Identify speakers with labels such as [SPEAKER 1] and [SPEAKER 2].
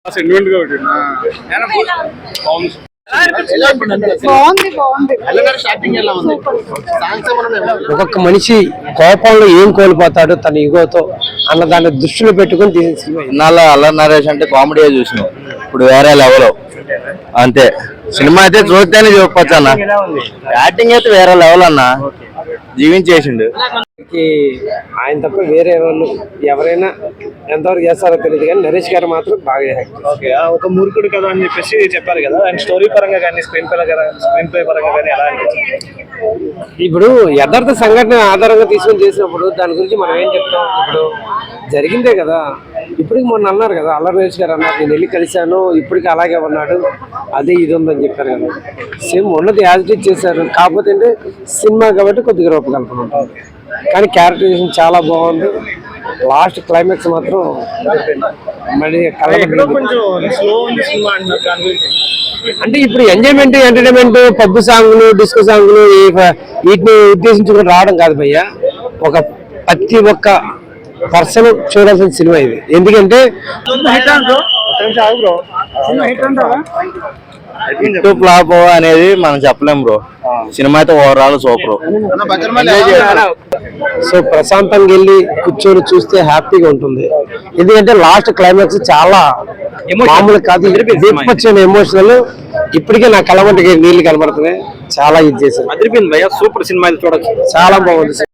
[SPEAKER 1] ఒక్కొక్క మనిషి కోపంలో ఏం కోల్పోతాడు తన ఈగోతో అన్న దాన్ని దృష్టిలో పెట్టుకుని తీసిన
[SPEAKER 2] ఇన్నాళ్ళు అల్లరి నరేష్ అంటే కామెడీ చూసినాం, ఇప్పుడు వేరే లెవెల్ అంతే. సినిమా అయితే చూస్తేనే చూపొచ్చు అన్న, యాక్టింగ్ అయితే వేరే లెవెల్ అన్న, జీవించేసిండు.
[SPEAKER 1] ఆయన తప్ప వేరే వాళ్ళు ఎవరైనా ఎంతవరకు చేస్తారో తెలియదు కానీ నరేష్ గారు మాత్రం బాగా
[SPEAKER 3] ఒక మూర్ఖుడు కదా అని చెప్పేసి చెప్పారు కదా, అండ్ స్టోరీ పరంగా కానీ స్క్రీన్ ప్లే పరంగా కానీ ఎలా
[SPEAKER 1] ఇప్పుడు యథార్థ సంఘటన ఆధారంగా తీసుకొని చేసినప్పుడు దాని గురించి మనం ఏం చెప్తాం. ఇప్పుడు జరిగిందే కదా, ఇప్పటికి మొన్న అన్నారు కదా అల్లరి నరేష్ గారు అన్నారు, నేను వెళ్ళి కలిశాను ఇప్పటికి అలాగే ఉన్నాడు, అదే ఇది ఉందని చెప్పారు కదా. సేమ్ ఉన్నది యాజిటేట్ చేశారు, కాకపోతే అంటే సినిమా కాబట్టి కొద్దిగా రూపకల్పన ఉంటుంది, కానీ క్యారెక్టరైజేషన్ చాలా బాగుంది. లాస్ట్ క్లైమాక్స్ మాత్రం మళ్ళీ అంటే ఇప్పుడు ఎంజాయ్మెంట్ ఎంటర్టైన్మెంట్ పబ్బు సాంగ్లు డిస్కో సాంగ్లు వీటిని ఉద్దేశించుకుని రావడం కాదు భయ్య, ఒక ప్రతి ఒక్క పర్సన్ చూడాల్సిన సినిమా ఇది. ఎందుకంటే
[SPEAKER 2] ఫ్లాప్ అనేది మనం చెప్పలేం బ్రో, సినిమా అయితే ఓవరాల్ సూపర్.
[SPEAKER 1] సో ప్రశాంతంగా వెళ్ళి కూర్చొని చూస్తే హ్యాపీగా ఉంటుంది. ఎందుకంటే లాస్ట్ క్లైమాక్స్ చాలా మామూలు కాదు, వచ్చిన ఎమోషనల్. ఇప్పటికే నా కళ్ళ వంటికి నీళ్లు కనబడుతున్నాయి, చాలా ఇది చేశారు.
[SPEAKER 3] అదిరిపోయింది భయ్యా, సూపర్ సినిమా చూడొచ్చు,
[SPEAKER 1] చాలా బాగుంది.